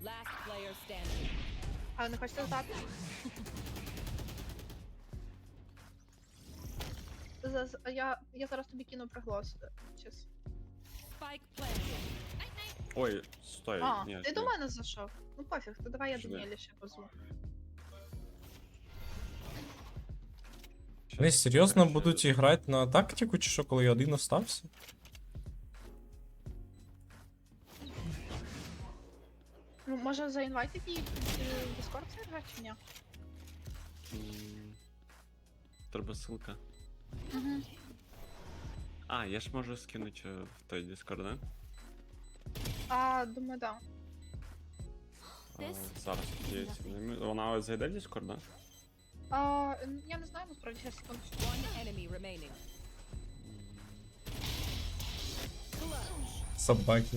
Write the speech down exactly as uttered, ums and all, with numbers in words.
Last player standing. А ви не хочете здати? За- за- Я, я зараз тобі кину приголос. Щас. Spike planted. Ой, стой. А, ні, ти ні. до мене зайшов? Ну пофіг, то давай я Жди. Даніелі ще позву. Щас, Вони серйозно короче, будуть грати на тактику, чи що, коли я один остався? Ну, може заінвайтити її в Discord сервер чи ні? м, Треба ссылка. Угу. А, я ж можу скинути е, в той Discord, да? А, думаю, да. А, зараз є. Вона ось зайде в Discord, да? А, я не знаю, насправді, зараз секунду. One enemy remaining. Собаки.